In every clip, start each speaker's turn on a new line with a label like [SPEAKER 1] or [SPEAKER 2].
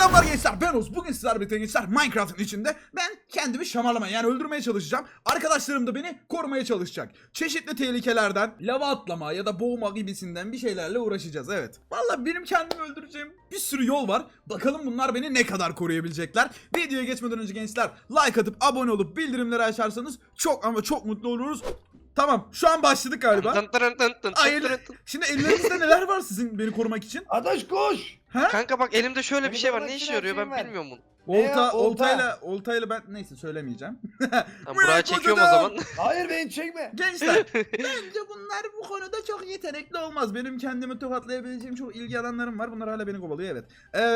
[SPEAKER 1] Selamlar gençler, ben Oğuz. Bugün sizlerle birlikte gençler Minecraft'ın içinde ben kendimi şamarlamaya yani öldürmeye çalışacağım. Arkadaşlarım da beni korumaya çalışacak. Çeşitli tehlikelerden, lava atlama ya da boğma gibisinden bir şeylerle uğraşacağız, evet. Vallahi benim kendimi öldüreceğim bir sürü yol var. Bakalım bunlar beni ne kadar koruyabilecekler. Videoya geçmeden önce gençler like atıp abone olup bildirimleri açarsanız çok ama çok mutlu oluruz. Tamam, şu an başladık galiba. Hayır. Şimdi ellerinizde neler var sizin beni korumak için?
[SPEAKER 2] Adaş koş.
[SPEAKER 1] Ha?
[SPEAKER 3] Kanka bak elimde şöyle bir
[SPEAKER 2] Benim
[SPEAKER 3] şey var.
[SPEAKER 2] orada
[SPEAKER 3] Ne işe
[SPEAKER 2] silah
[SPEAKER 3] yarıyor
[SPEAKER 2] şeyim
[SPEAKER 3] ben
[SPEAKER 2] var.
[SPEAKER 3] bilmiyorum bunu.
[SPEAKER 1] Oltayla ben neyse söylemeyeceğim.
[SPEAKER 3] Tamam, buraya çekiyorum o zaman.
[SPEAKER 2] Hayır beni çekme.
[SPEAKER 1] Gençler bence bunlar bu konuda çok yetenekli olmaz. Benim kendimi tokatlayabileceğim çok ilgi alanlarım var. Bunlar hala beni kovalıyor, evet.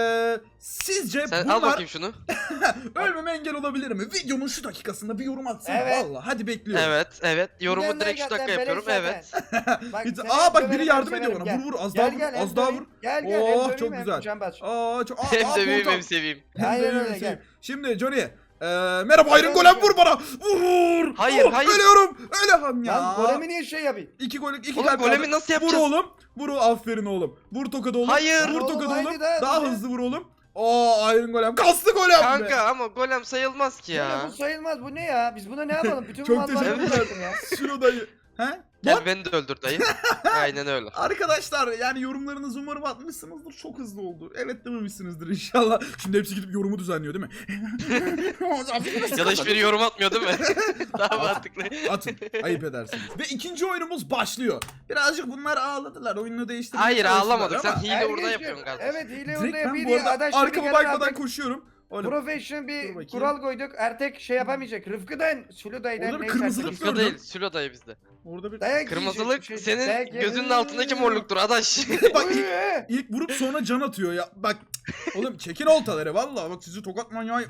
[SPEAKER 1] Sizce
[SPEAKER 3] Sen
[SPEAKER 1] bunlar
[SPEAKER 3] al bakayım şunu.
[SPEAKER 1] ölmeme engel olabilir mi? Videomun şu dakikasında bir yorum atsana.
[SPEAKER 2] Evet.
[SPEAKER 1] Vallahi hadi bekliyorum.
[SPEAKER 3] Evet. Yorumu
[SPEAKER 2] Gidenler
[SPEAKER 3] direkt şu dakika
[SPEAKER 2] zaten
[SPEAKER 3] yapıyorum.
[SPEAKER 2] beleş
[SPEAKER 3] Evet.
[SPEAKER 2] zaten. Bak,
[SPEAKER 1] Bir-
[SPEAKER 2] seni
[SPEAKER 1] Aa bak
[SPEAKER 2] hem
[SPEAKER 1] biri
[SPEAKER 2] döverim,
[SPEAKER 1] yardım
[SPEAKER 2] hem
[SPEAKER 1] ediyor bana.
[SPEAKER 2] severim.
[SPEAKER 1] Vur az
[SPEAKER 2] Gel,
[SPEAKER 1] daha vur.
[SPEAKER 2] gel, hem
[SPEAKER 1] Az daha vur.
[SPEAKER 2] döveyim. Gel
[SPEAKER 1] Oh,
[SPEAKER 2] hem
[SPEAKER 1] çok
[SPEAKER 2] döveyim, hem
[SPEAKER 1] güzel.
[SPEAKER 2] can bas.
[SPEAKER 1] Çok
[SPEAKER 3] Hem de büyüğüm
[SPEAKER 1] koltuğa.
[SPEAKER 3] hem seveyim.
[SPEAKER 2] Aynen
[SPEAKER 1] Hem de
[SPEAKER 2] öyle,
[SPEAKER 1] büyüğüm,
[SPEAKER 2] gel.
[SPEAKER 1] Şimdi Johnny. Merhaba Iron Golem, vur bana. Vur.
[SPEAKER 3] Hayır,
[SPEAKER 1] Oh,
[SPEAKER 3] hayır.
[SPEAKER 1] Ölüyorum. Ölüyorum ya.
[SPEAKER 2] Lan golemi niye şey yapayım?
[SPEAKER 1] İki
[SPEAKER 3] Oğlum,
[SPEAKER 1] kalp
[SPEAKER 3] golemi
[SPEAKER 1] kaldı.
[SPEAKER 3] nasıl
[SPEAKER 1] Vur
[SPEAKER 3] yapacağız?
[SPEAKER 1] oğlum. Vur aferin oğlum. Vur tokadı oğlum.
[SPEAKER 3] Hayır.
[SPEAKER 1] Vur
[SPEAKER 2] Oğlum,
[SPEAKER 1] tokadı
[SPEAKER 2] haydi
[SPEAKER 1] oğlum.
[SPEAKER 2] daha
[SPEAKER 1] Daha
[SPEAKER 2] hızlı.
[SPEAKER 1] hızlı vur oğlum. Iron Golem. Kaslı golem be.
[SPEAKER 3] Kanka ama golem sayılmaz ki
[SPEAKER 2] Ya.
[SPEAKER 3] ya.
[SPEAKER 2] Bu sayılmaz, bu ne ya? Biz buna ne yapalım? Bütün
[SPEAKER 1] Çok
[SPEAKER 2] malları
[SPEAKER 1] teşekkürler.
[SPEAKER 2] bıraktım ya.
[SPEAKER 1] Şunu dayı. He?
[SPEAKER 3] Gel
[SPEAKER 1] Lan,
[SPEAKER 3] beni de öldür dayı. Aynen öyle.
[SPEAKER 1] arkadaşlar yani yorumlarınızı umarım atmışsınızdır. Çok hızlı oldu. Evet dememişsinizdir inşallah. Şimdi hepsi gidip yorumu düzenliyor değil mi?
[SPEAKER 3] Ya da hiçbiri yorum atmıyor değil mi? Daha mantıklı.
[SPEAKER 1] Atın. Ayıp edersiniz. Ve ikinci oyunumuz başlıyor. Birazcık bunlar ağladılar. Oyunu değiştirmeye
[SPEAKER 3] Hayır
[SPEAKER 1] çalıştılar
[SPEAKER 3] ağlamadık. Sen
[SPEAKER 1] ama
[SPEAKER 3] hile
[SPEAKER 2] Ergen
[SPEAKER 3] burada
[SPEAKER 2] şey-
[SPEAKER 3] yapıyorsun galiba.
[SPEAKER 2] Evet hile
[SPEAKER 1] direkt
[SPEAKER 2] burada
[SPEAKER 1] ben
[SPEAKER 2] yapıyor
[SPEAKER 1] bu
[SPEAKER 2] diye
[SPEAKER 1] arada
[SPEAKER 2] adaş şimdi
[SPEAKER 1] arkama
[SPEAKER 2] gelen
[SPEAKER 1] bakmadan
[SPEAKER 2] artık
[SPEAKER 1] koşuyorum. Oğlum.
[SPEAKER 2] professional
[SPEAKER 1] Dur
[SPEAKER 2] bir
[SPEAKER 1] bakayım.
[SPEAKER 2] kural koyduk. Artık şey yapamayacak. Rıfkı'dan, Süluday'dan
[SPEAKER 1] Orada bir
[SPEAKER 2] neyse
[SPEAKER 1] kırmızılık
[SPEAKER 2] artık.
[SPEAKER 3] Rıfkı
[SPEAKER 1] gördüm.
[SPEAKER 3] değil. Sülo dayı bizde.
[SPEAKER 1] Orada bir...
[SPEAKER 2] Dayak
[SPEAKER 3] Kırmızılık
[SPEAKER 2] yiyecek, şey- dayak
[SPEAKER 3] senin gözünün
[SPEAKER 2] yiyecek.
[SPEAKER 3] altındaki morluktur adaş.
[SPEAKER 1] Bak
[SPEAKER 2] Uy,
[SPEAKER 1] ilk vurup sonra can atıyor ya. Bak oğlum çekin oltaları vallahi bak sizi tokat manyağı.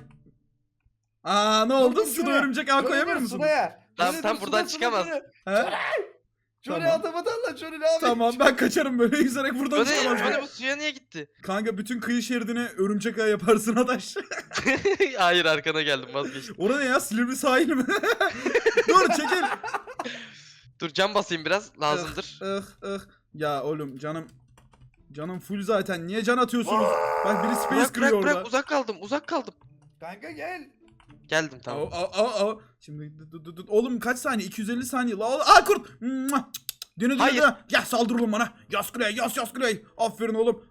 [SPEAKER 1] Ne oldu?
[SPEAKER 2] dur,
[SPEAKER 1] Suda
[SPEAKER 2] şuraya.
[SPEAKER 1] örümcek ağ
[SPEAKER 2] Şöyle
[SPEAKER 1] koyamıyor
[SPEAKER 2] dur,
[SPEAKER 1] musunuz?
[SPEAKER 2] Sudaya.
[SPEAKER 3] Tamam,
[SPEAKER 2] Şöyle
[SPEAKER 3] tam
[SPEAKER 2] dur,
[SPEAKER 3] buradan
[SPEAKER 2] suda,
[SPEAKER 3] çıkamaz.
[SPEAKER 1] He?
[SPEAKER 2] Şöyle
[SPEAKER 1] Tamam.
[SPEAKER 2] atamadan la şöyle ne yapayım?
[SPEAKER 1] Tamam ben kaçarım böyle yüzerek buradan
[SPEAKER 3] Johnny,
[SPEAKER 1] çıkamaz.
[SPEAKER 3] Johnny bu suya niye gitti?
[SPEAKER 1] Kanka bütün kıyı şeridine örümcek ağ yaparsın adaş.
[SPEAKER 3] Hayır arkana geldim vazgeçtim.
[SPEAKER 1] Orada ne ya, Silivri sahil mi? Dur çekil.
[SPEAKER 3] Dur cam basayım biraz lazımdır.
[SPEAKER 1] Ya oğlum canım full zaten, niye can atıyorsunuz? Bak biri space
[SPEAKER 3] Bırak
[SPEAKER 1] kırıyor orada.
[SPEAKER 3] bırak uzak kaldım.
[SPEAKER 2] Kanka gel.
[SPEAKER 3] Geldim tamam.
[SPEAKER 1] Şimdi oğlum kaç saniye? 250 saniye. Kurt. Mua! Dönü
[SPEAKER 3] Hayır.
[SPEAKER 1] Ya saldır oğlum bana. Yas kuleye yas kuleye. Aferin oğlum.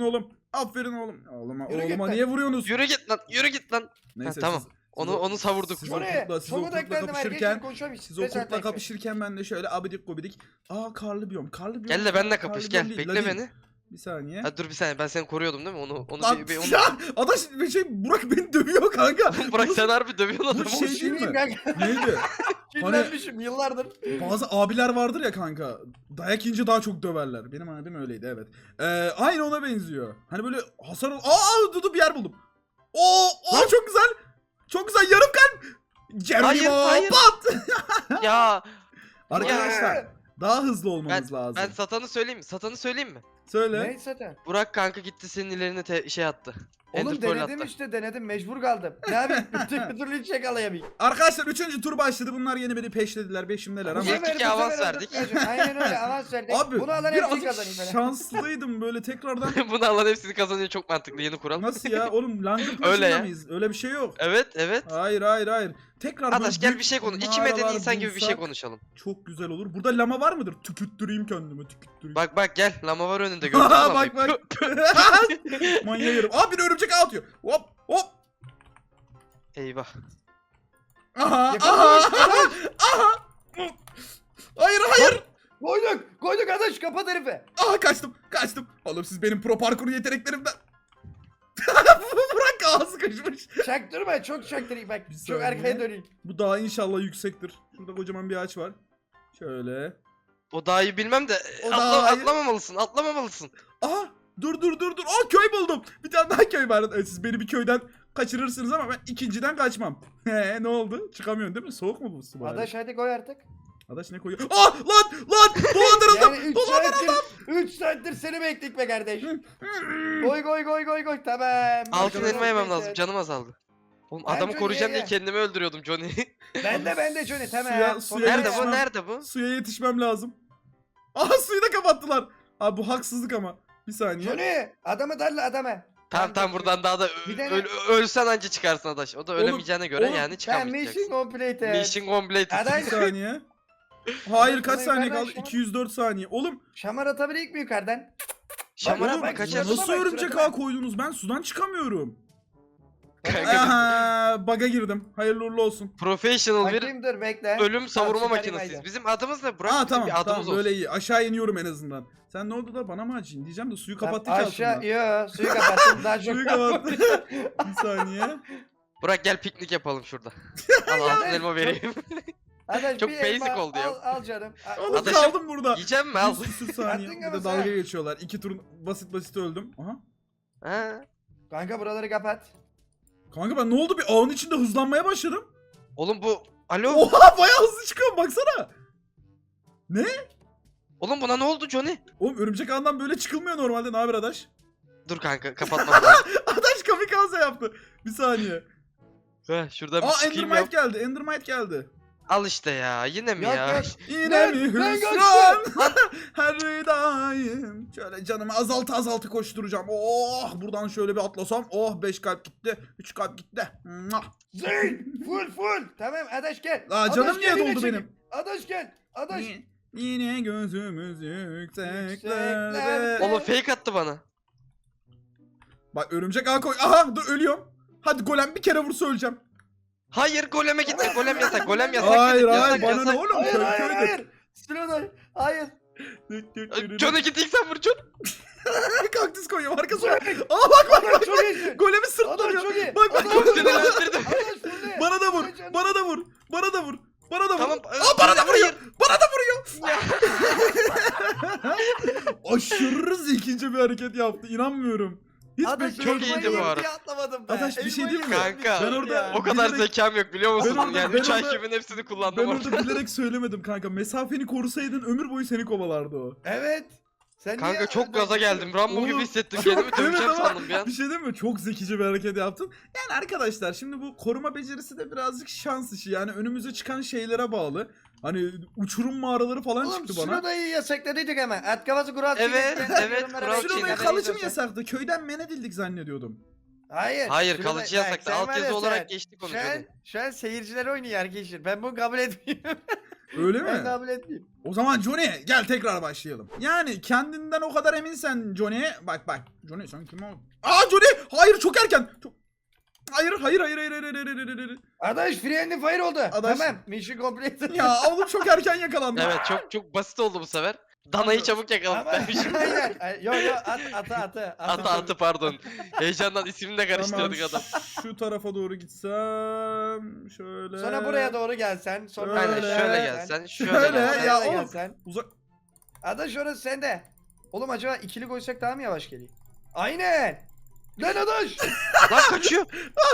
[SPEAKER 1] Oğluma
[SPEAKER 2] Yürü git lan.
[SPEAKER 1] niye vuruyorsunuz?
[SPEAKER 3] Yürü git lan.
[SPEAKER 1] Neyse
[SPEAKER 3] tamam.
[SPEAKER 1] siz
[SPEAKER 3] Onu savurduk.
[SPEAKER 1] siz
[SPEAKER 2] Şuraya.
[SPEAKER 1] siz o
[SPEAKER 2] Çok
[SPEAKER 1] kurtla
[SPEAKER 2] odaklandım
[SPEAKER 1] kapışırken
[SPEAKER 2] herkesle konuşamayız.
[SPEAKER 1] siz o kurtla kapışırken ben de şöyle abidik gubidik. Karlı biyom.
[SPEAKER 3] Gel de benimle kapış
[SPEAKER 1] Karlı
[SPEAKER 3] gel.
[SPEAKER 1] biyom değil,
[SPEAKER 3] Bekle
[SPEAKER 1] la değil.
[SPEAKER 3] beni.
[SPEAKER 1] Bir saniye.
[SPEAKER 3] Ha, dur bir saniye ben seni koruyordum değil mi? Onu
[SPEAKER 1] Lan
[SPEAKER 3] bir
[SPEAKER 1] ya adaş Burak beni dövüyor kanka.
[SPEAKER 3] Bırak sen harbi dövüyorsun
[SPEAKER 1] Bu
[SPEAKER 3] adamı.
[SPEAKER 1] şey değil mi?
[SPEAKER 2] Kanka.
[SPEAKER 1] Neydi?
[SPEAKER 2] Kinlenmişim yıllardır.
[SPEAKER 1] Bazı abiler vardır ya kanka. Dayak yiyince daha çok döverler. Benim abim öyleydi, evet. Aynı ona benziyor. Hani böyle hasar bir yer buldum. Çok güzel. Çok güzel, yarım kalp. Geronimo
[SPEAKER 3] Hayır.
[SPEAKER 1] pat.
[SPEAKER 3] Ya
[SPEAKER 1] Arkadaşlar daha hızlı olmamız lazım.
[SPEAKER 3] ben satanı söyleyeyim mi?
[SPEAKER 1] Söyle.
[SPEAKER 2] Ne zaten?
[SPEAKER 3] Burak kanka gitti senin ilerine şey attı.
[SPEAKER 2] Oğlum
[SPEAKER 3] Ender Pearl
[SPEAKER 2] denedim
[SPEAKER 3] attı.
[SPEAKER 2] işte denedim mecbur kaldım. Ne yapayım? Bir türlü hiç yakalayamayayım.
[SPEAKER 1] Arkadaşlar 3. tur başladı. Bunlar yeni beni peşlediler. Peşimdeler ama.
[SPEAKER 3] sefer- iki avans verdik.
[SPEAKER 2] Aynen öyle avans verdik.
[SPEAKER 1] Abi
[SPEAKER 2] Bunu alan hepsini
[SPEAKER 1] birazcık
[SPEAKER 2] kazanayım ben.
[SPEAKER 1] şanslıydım böyle tekrardan.
[SPEAKER 3] Bunu alan hepsini kazanıyor, çok mantıklı yeni kural.
[SPEAKER 1] Nasıl ya? Oğlum langırt
[SPEAKER 3] Öyle
[SPEAKER 1] maçında
[SPEAKER 3] ya.
[SPEAKER 1] mıyız? Öyle bir şey yok.
[SPEAKER 3] Evet.
[SPEAKER 1] Hayır. Tekrar
[SPEAKER 3] Adaş
[SPEAKER 1] böyle
[SPEAKER 3] gel
[SPEAKER 1] büyük
[SPEAKER 3] bir şey konuş. İki medeni
[SPEAKER 1] mağaralar
[SPEAKER 3] insan gibi bir şey
[SPEAKER 1] bulsak
[SPEAKER 3] konuşalım.
[SPEAKER 1] çok güzel olur. Burada lama var mıdır? Tükürttüreyim kendimi, tükürttüreyim.
[SPEAKER 3] Bak gel lama var önünde gördün mü?
[SPEAKER 1] bak. Manyağı yerim. Bir örümcek ağ atıyor. Hop.
[SPEAKER 3] Eyvah.
[SPEAKER 1] Aha. Hayır.
[SPEAKER 2] Koyduk adaş kapat herife.
[SPEAKER 1] Kaçtım. Oğlum siz benim pro parkur yeteneklerimden. Bırak ağzı kaçmış.
[SPEAKER 2] Çaktırma çok çaktırayım bak.
[SPEAKER 1] Bir
[SPEAKER 2] Çok
[SPEAKER 1] saniye.
[SPEAKER 2] arkaya döneyim.
[SPEAKER 1] Bu dağ inşallah yüksektir. Şurada kocaman bir ağaç var. Şöyle.
[SPEAKER 3] O daha iyi bilmem de
[SPEAKER 1] O daha iyi.
[SPEAKER 3] atlamamalısın.
[SPEAKER 1] Aha dur. Köy buldum. Bir tane daha köy var. Siz beni bir köyden kaçırırsınız ama ben ikinciden kaçmam. Ne oldu? Çıkamıyorsun değil mi? Soğuk mu bu su bari?
[SPEAKER 2] Adaş hadi koy artık.
[SPEAKER 1] Adaş ne koyuyor? Lan dolandırıldım.
[SPEAKER 2] Yani 3 saattir seni bekledik be kardeş. Koy tamam.
[SPEAKER 3] Altın elma yemem lazım,
[SPEAKER 2] Neyse.
[SPEAKER 3] canım azaldı. Oğlum
[SPEAKER 2] Ben
[SPEAKER 3] adamı
[SPEAKER 2] Johnny'ye
[SPEAKER 3] koruyacağım diye
[SPEAKER 2] ye.
[SPEAKER 3] kendimi öldürüyordum Johnny.
[SPEAKER 2] Ben de Johnny tamam.
[SPEAKER 1] Suya
[SPEAKER 2] Sonra-
[SPEAKER 3] Nerede
[SPEAKER 1] yetişmem.
[SPEAKER 3] bu? Nerede bu?
[SPEAKER 1] Suya yetişmem lazım. Suyu da kapattılar. Bu haksızlık ama. Bir saniye.
[SPEAKER 2] Johnny adamı darla adamı.
[SPEAKER 3] Tamam buradan daha da
[SPEAKER 2] Bir de
[SPEAKER 3] ölsen anca çıkarsın Adaş. O da
[SPEAKER 1] Oğlum,
[SPEAKER 3] ölemeyeceğine göre
[SPEAKER 1] oğlum,
[SPEAKER 3] yani
[SPEAKER 2] Ben
[SPEAKER 3] çıkamayacaksın.
[SPEAKER 2] mission completed.
[SPEAKER 3] Mission completed.
[SPEAKER 2] Adaş
[SPEAKER 1] Bir saniye. Hayır kaç
[SPEAKER 2] Bunu
[SPEAKER 1] saniye
[SPEAKER 2] yukarıdan
[SPEAKER 1] kaldı?
[SPEAKER 2] şamar-
[SPEAKER 1] 204 saniye. Oğlum
[SPEAKER 2] şamar atabilir mi yukarıdan?
[SPEAKER 3] Şamara
[SPEAKER 2] Oğlum,
[SPEAKER 3] bak
[SPEAKER 2] bak,
[SPEAKER 3] kaçar.
[SPEAKER 2] suratına
[SPEAKER 1] nasıl
[SPEAKER 2] bak,
[SPEAKER 1] örümcek
[SPEAKER 2] suratına.
[SPEAKER 1] ağ koydunuz? Ben sudan çıkamıyorum.
[SPEAKER 3] Kanka,
[SPEAKER 1] Aha, bug'a girdim. Hayırlı uğurlu olsun.
[SPEAKER 3] Professional bir
[SPEAKER 2] Bakayım dur bekle.
[SPEAKER 3] ölüm savurma
[SPEAKER 2] çıkarayım
[SPEAKER 3] makinesiyiz.
[SPEAKER 2] haydi.
[SPEAKER 3] Bizim adımız ne? Burak
[SPEAKER 1] Aa
[SPEAKER 3] bizim
[SPEAKER 1] tamam
[SPEAKER 3] bir adımız
[SPEAKER 1] tamam
[SPEAKER 3] olsun.
[SPEAKER 1] böyle iyi. Aşağı iniyorum en azından. Sen ne oldu da bana mı acıyın diyeceğim de suyu kapattık ya
[SPEAKER 2] Aşağı
[SPEAKER 1] altından.
[SPEAKER 2] yo suyu kapattım daha çok.
[SPEAKER 1] Suyu kapattı. Bir saniye.
[SPEAKER 3] Burak gel piknik yapalım şurada. Al altın elma vereyim.
[SPEAKER 2] Adaş,
[SPEAKER 3] Çok
[SPEAKER 2] bir
[SPEAKER 3] basic
[SPEAKER 2] elma
[SPEAKER 3] oldu ya.
[SPEAKER 2] Al canım.
[SPEAKER 1] Oğlum
[SPEAKER 3] Adaşım,
[SPEAKER 1] kaldım burada.
[SPEAKER 3] Yiyeceğim mi? Al.
[SPEAKER 1] 100 küsür saniye.
[SPEAKER 2] Attın
[SPEAKER 1] Bir
[SPEAKER 2] ama
[SPEAKER 1] de
[SPEAKER 2] sen.
[SPEAKER 1] dalga geçiyorlar. 2 tur basit öldüm. Aha.
[SPEAKER 3] Ha.
[SPEAKER 2] Kanka buraları kapat.
[SPEAKER 1] Kanka ben ne oldu bir ağın içinde hızlanmaya başladım.
[SPEAKER 3] Oğlum bu... Alo.
[SPEAKER 1] Oha bayağı hızlı çıkıyorum baksana. Ne?
[SPEAKER 3] Oğlum buna ne oldu Johnny?
[SPEAKER 1] Oğlum örümcek ağından böyle çıkılmıyor normalde. Ne haber Adaş?
[SPEAKER 3] Dur kanka kapatmam lazım.
[SPEAKER 1] Adaş kamikaze yaptı. Bir saniye.
[SPEAKER 3] Heh, şuradan bir
[SPEAKER 1] Aa
[SPEAKER 3] çıkayım ya.
[SPEAKER 1] Endermite geldi. Endermite geldi.
[SPEAKER 3] Al işte ya. Yine mi
[SPEAKER 2] Yok,
[SPEAKER 3] ya?
[SPEAKER 2] yok.
[SPEAKER 1] Yine
[SPEAKER 2] Lan,
[SPEAKER 1] mi
[SPEAKER 2] lan
[SPEAKER 1] hüsran? Her daim. Şöyle canımı azaltı koşturacağım. Oh buradan şöyle bir atlasam. Oh 5 kalp gitti. 3 kalp gitti. Mwah.
[SPEAKER 2] Zing full. Tamam Adaş gel.
[SPEAKER 1] Aa,
[SPEAKER 2] Adaş
[SPEAKER 1] canım
[SPEAKER 2] gel,
[SPEAKER 1] niye
[SPEAKER 2] yine
[SPEAKER 1] doldu
[SPEAKER 2] çek.
[SPEAKER 1] benim?
[SPEAKER 2] Adaş gel. Adaş.
[SPEAKER 1] Yine gözümüz yükseklerde.
[SPEAKER 2] Yükseklerde.
[SPEAKER 3] Oğlum fake attı bana.
[SPEAKER 1] Bak örümcek ağ koy. Aha dur ölüyorum. Hadi golem bir kere vursa öleceğim.
[SPEAKER 3] Hayır goleme gitme. Golem yasak. Golem yasak.
[SPEAKER 1] Hayır
[SPEAKER 3] dedik,
[SPEAKER 1] hayır
[SPEAKER 3] yasak,
[SPEAKER 1] bana
[SPEAKER 3] yasak.
[SPEAKER 1] ne oğlum?
[SPEAKER 2] Hayır
[SPEAKER 1] Köy
[SPEAKER 2] hayır
[SPEAKER 1] köyde.
[SPEAKER 2] hayır. Sıraday. Hayır.
[SPEAKER 3] Johnny git ilk sen vur John.
[SPEAKER 1] Kaktüs koyuyorum arkasına.
[SPEAKER 2] Zing.
[SPEAKER 1] Aa bak
[SPEAKER 2] Adaş çok iyisin.
[SPEAKER 1] golemi
[SPEAKER 2] Adaş
[SPEAKER 1] sırtlanıyor.
[SPEAKER 2] çok iyi.
[SPEAKER 1] Bak bak
[SPEAKER 2] Adaş,
[SPEAKER 1] çok
[SPEAKER 3] Seni öldürdüm.
[SPEAKER 2] Adaş full ne?
[SPEAKER 1] Bana da vur.
[SPEAKER 2] Ay canım.
[SPEAKER 1] Bana da vur. Bana da vur. Bana da vur.
[SPEAKER 3] Tamam.
[SPEAKER 1] Aa bana da vuruyor.
[SPEAKER 3] Hayır.
[SPEAKER 1] Bana da vuruyor. Aşırı zekice bir hareket yaptı. İnanmıyorum. Hiç
[SPEAKER 2] Adaş
[SPEAKER 3] Çok iyiydi bu ara.
[SPEAKER 2] atlamadım ben.
[SPEAKER 1] Adaş, bir şey diyeyim mi?
[SPEAKER 3] Kanka.
[SPEAKER 1] Ben orada-
[SPEAKER 3] O kadar
[SPEAKER 1] bilerek-
[SPEAKER 3] zekam yok biliyor musun?
[SPEAKER 1] Ben orada-
[SPEAKER 3] Yani
[SPEAKER 1] ben
[SPEAKER 3] 3
[SPEAKER 1] orada-
[SPEAKER 3] IQ'min hepsini
[SPEAKER 1] Ben
[SPEAKER 3] kullandım orada.
[SPEAKER 1] orada bilerek söylemedim kanka. Mesafeni korusaydın ömür boyu seni kovalardı o.
[SPEAKER 2] Evet. Sen
[SPEAKER 3] Kanka
[SPEAKER 2] niye
[SPEAKER 3] çok gaza geldim. Rambo
[SPEAKER 1] Oğlum,
[SPEAKER 3] gibi hissettim
[SPEAKER 1] çok-
[SPEAKER 3] kendimi. Döveceğim
[SPEAKER 1] evet ama
[SPEAKER 3] sandım bir an.
[SPEAKER 1] Bir şey değil mi? Çok zekice bir hareket yaptın. Yani arkadaşlar şimdi bu koruma becerisi de birazcık şans işi. Yani önümüze çıkan şeylere bağlı. Hani uçurum mağaraları falan
[SPEAKER 2] Oğlum
[SPEAKER 1] çıktı bana.
[SPEAKER 2] Şuradayı yasakladıydık hemen. At kafası kural
[SPEAKER 3] Evet,
[SPEAKER 2] çekecekler,
[SPEAKER 3] evet,
[SPEAKER 2] yorumlara
[SPEAKER 3] kural
[SPEAKER 2] bekleyin,
[SPEAKER 1] Şurada
[SPEAKER 3] çekecekler.
[SPEAKER 2] haberiniz
[SPEAKER 1] kalıcı mı
[SPEAKER 2] olsun.
[SPEAKER 1] yasaktı? Köyden men edildik zannediyordum.
[SPEAKER 2] Hayır.
[SPEAKER 3] Hayır
[SPEAKER 2] şurada-
[SPEAKER 3] kalıcı
[SPEAKER 2] bak,
[SPEAKER 3] yasaktı.
[SPEAKER 2] sen var
[SPEAKER 3] Alt yazı
[SPEAKER 2] ya
[SPEAKER 3] olarak
[SPEAKER 2] sen,
[SPEAKER 3] geçtik onu.
[SPEAKER 2] Şu an,
[SPEAKER 3] Johnny.
[SPEAKER 2] şu an seyirciler oynuyor arkadaşlar. Ben bunu kabul etmiyorum.
[SPEAKER 1] Öyle
[SPEAKER 2] Ben
[SPEAKER 1] mi?
[SPEAKER 2] kabul etmiyorum.
[SPEAKER 1] O zaman Johnny gel tekrar başlayalım. Yani kendinden o kadar eminsen Johnny. Bak. Johnny sen kim o? Aa Johnny! Hayır çok erken. Hayır.
[SPEAKER 2] Adaş friendly fire oldu.
[SPEAKER 1] Adaş-
[SPEAKER 2] Tamam. Mission complete.
[SPEAKER 1] Ya oğlum çok erken yakalandı.
[SPEAKER 3] Evet çok basit oldu bu sefer. Danayı çabuk yakaladım.
[SPEAKER 2] Tamam.
[SPEAKER 3] Ben şimdi
[SPEAKER 2] Aynen. Yo atı.
[SPEAKER 3] atı pardon. Heyecandan ismini de karıştırdık
[SPEAKER 1] Tamam,
[SPEAKER 3] adam.
[SPEAKER 1] şu tarafa doğru gitsem şöyle.
[SPEAKER 2] Sonra buraya doğru gelsen. Sonra
[SPEAKER 1] Aynen,
[SPEAKER 3] Aynen
[SPEAKER 1] Öyle.
[SPEAKER 3] şöyle
[SPEAKER 2] gelsen.
[SPEAKER 3] gelsen. Şöyle
[SPEAKER 1] Şöyle
[SPEAKER 3] gelsen.
[SPEAKER 1] ya
[SPEAKER 2] Şöyle
[SPEAKER 1] oğlum.
[SPEAKER 2] gelsen.
[SPEAKER 1] Uzak.
[SPEAKER 2] Adaş orası sende. Oğlum acaba ikili koysak daha mı yavaş geliyor? Aynen. Lan Adaş.
[SPEAKER 3] Lan kaçıyor.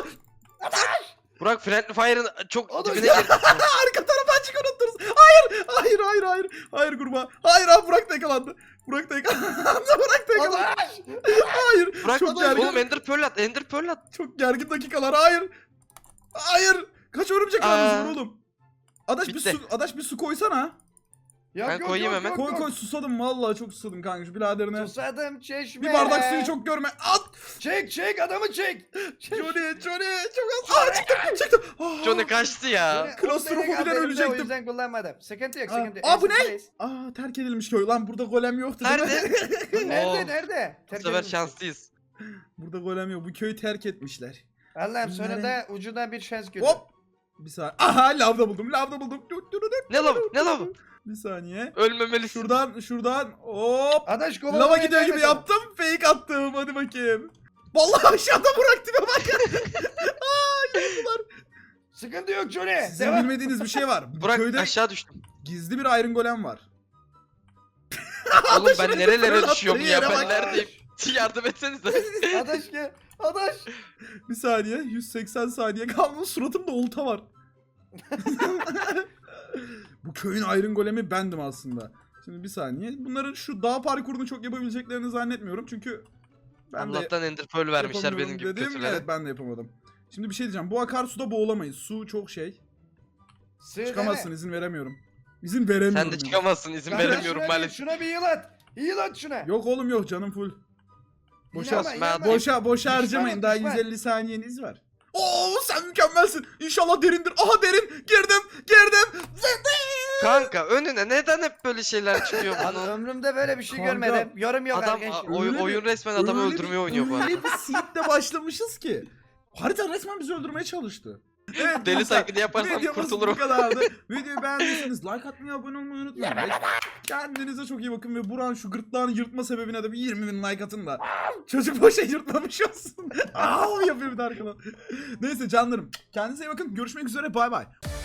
[SPEAKER 3] Burak Friendly Fire'ın çok
[SPEAKER 2] Oğlum
[SPEAKER 3] dibine
[SPEAKER 2] ya.
[SPEAKER 3] girdi.
[SPEAKER 1] Arka tarafa açık unutturuz. Hayır. Hayır kurban. Hayır abi Burak da yakalandı. Burak da yakalandı.
[SPEAKER 2] Adaş.
[SPEAKER 1] Hayır.
[SPEAKER 3] Burak
[SPEAKER 1] çok gergin.
[SPEAKER 3] oğlum Ender Pearl at. Ender Pearl at.
[SPEAKER 1] Çok gergin dakikalar. Hayır. Kaç örümcek ağınız var
[SPEAKER 3] Aa.
[SPEAKER 1] oğlum?
[SPEAKER 3] Bitti.
[SPEAKER 1] Adaş bir su koysana.
[SPEAKER 2] Yok,
[SPEAKER 3] Ben koyayım hemen.
[SPEAKER 1] Koy susadım vallahi çok susadım kanka şu biraderine.
[SPEAKER 2] Susadım çeşme.
[SPEAKER 1] Bir bardak suyu çok görme. At.
[SPEAKER 2] Çek adamı çek.
[SPEAKER 1] Johnny çok az. Çıktım. Ah.
[SPEAKER 3] Johnny kaçtı ya.
[SPEAKER 2] Johnny,
[SPEAKER 1] Klostrofobiden
[SPEAKER 2] o benim haberimde,
[SPEAKER 1] ölecektim.
[SPEAKER 2] O yüzden kullanmadım. Sıkıntı yok.
[SPEAKER 1] Bu ne? Aa terk edilmiş köy. Lan burada golem yoktu değil mi?
[SPEAKER 3] Nerede?
[SPEAKER 2] Nerede? Nerede?
[SPEAKER 3] Bu
[SPEAKER 2] Terk
[SPEAKER 3] sefer
[SPEAKER 2] edilmiş.
[SPEAKER 3] şanslıyız.
[SPEAKER 1] Burada golem yok. Bu köyü terk etmişler.
[SPEAKER 2] Allah'ım sonra
[SPEAKER 1] Bunları-
[SPEAKER 2] da ucundan bir şans gördüm.
[SPEAKER 1] Hop. Bir saniye. Aha lavda buldum.
[SPEAKER 3] Ne lav? Ne lav?
[SPEAKER 1] Bir saniye.
[SPEAKER 3] Ölmemelisin.
[SPEAKER 1] Şuradan hop.
[SPEAKER 2] Adaş kovalamaya
[SPEAKER 1] Lava gidiyor gibi
[SPEAKER 2] gelmesin.
[SPEAKER 1] yaptım. Fake attım. Hadi bakayım. Vallahi aşağıda bıraktım bak.
[SPEAKER 2] Sıkıntı yok Johnny.
[SPEAKER 1] Sizin
[SPEAKER 2] Devam.
[SPEAKER 1] bilmediğiniz bir şey var. Bu
[SPEAKER 3] Burak
[SPEAKER 1] köyde
[SPEAKER 3] aşağı düştüm.
[SPEAKER 1] gizli bir Iron Golem var.
[SPEAKER 3] Oğlum ben nerelere
[SPEAKER 1] fırlattı,
[SPEAKER 3] düşüyorum ya?
[SPEAKER 1] yere
[SPEAKER 3] Ben
[SPEAKER 1] bak.
[SPEAKER 3] neredeyim? Yardım etsenize.
[SPEAKER 2] Adaş gel. Adaş.
[SPEAKER 1] Bir saniye. 180 saniye kaldı. Suratımda olta var. Bu köyün Iron Golem'i bendim aslında. Şimdi bir saniye. Bunların şu dağ parkurunu çok yapabileceklerini zannetmiyorum. Çünkü ben de
[SPEAKER 3] Allah'tan Ender Pearl vermişler benim
[SPEAKER 1] yapamıyorum
[SPEAKER 3] gibi
[SPEAKER 1] dedim.
[SPEAKER 3] kötülere.
[SPEAKER 1] Evet ben de yapamadım. Şimdi bir şey diyeceğim. Bu akarsuda boğulamayız. Su çok şey.
[SPEAKER 2] Sığ
[SPEAKER 1] Çıkamazsın,
[SPEAKER 2] deme.
[SPEAKER 1] izin veremiyorum. İzin veremiyorum.
[SPEAKER 3] Sen de
[SPEAKER 1] yani.
[SPEAKER 3] çıkamazsın izin
[SPEAKER 2] Kanka
[SPEAKER 3] veremiyorum
[SPEAKER 2] şuna
[SPEAKER 3] maalesef.
[SPEAKER 2] Şuna bir heal at. Heal at şuna.
[SPEAKER 1] Yok oğlum yok canım full. Boşa,
[SPEAKER 2] İnanma.
[SPEAKER 1] boşa harcamayın. Daha
[SPEAKER 2] Düşman.
[SPEAKER 1] 150 saniyeniz var. Oo sen mükemmelsin. İnşallah derindir. Aha derin. Girdim.
[SPEAKER 3] Kanka önüne neden hep böyle şeyler çıkıyor
[SPEAKER 2] Abi
[SPEAKER 3] bunun?
[SPEAKER 2] ömrümde böyle bir şey
[SPEAKER 1] Kanka,
[SPEAKER 2] görmedim. Yorum yok
[SPEAKER 3] Adam
[SPEAKER 2] arkadaşlar.
[SPEAKER 1] Öyle
[SPEAKER 3] oyun
[SPEAKER 1] bir-
[SPEAKER 3] resmen adamı
[SPEAKER 1] öyle
[SPEAKER 3] öldürmeye
[SPEAKER 1] bir-
[SPEAKER 3] oynuyor bu arada.
[SPEAKER 1] Öyle bir seedle başlamışız ki. Harita resmen bizi öldürmeye çalıştı. Evet,
[SPEAKER 3] Deli
[SPEAKER 1] dostlar,
[SPEAKER 3] taklidi yaparsam
[SPEAKER 1] videomuz
[SPEAKER 3] kurtulurum.
[SPEAKER 1] bu kadardı. Videoyu beğendiyseniz like atmayı, abone olmayı unutmayın. Kendinize çok iyi bakın ve Burak'ın şu gırtlağını yırtma sebebine de bir 20.000 like atın da çocuk boşa yırtmamış olsun. Aa yapıyor bir de arkadan. Neyse canlarım, kendinize iyi bakın. Görüşmek üzere, bay bay.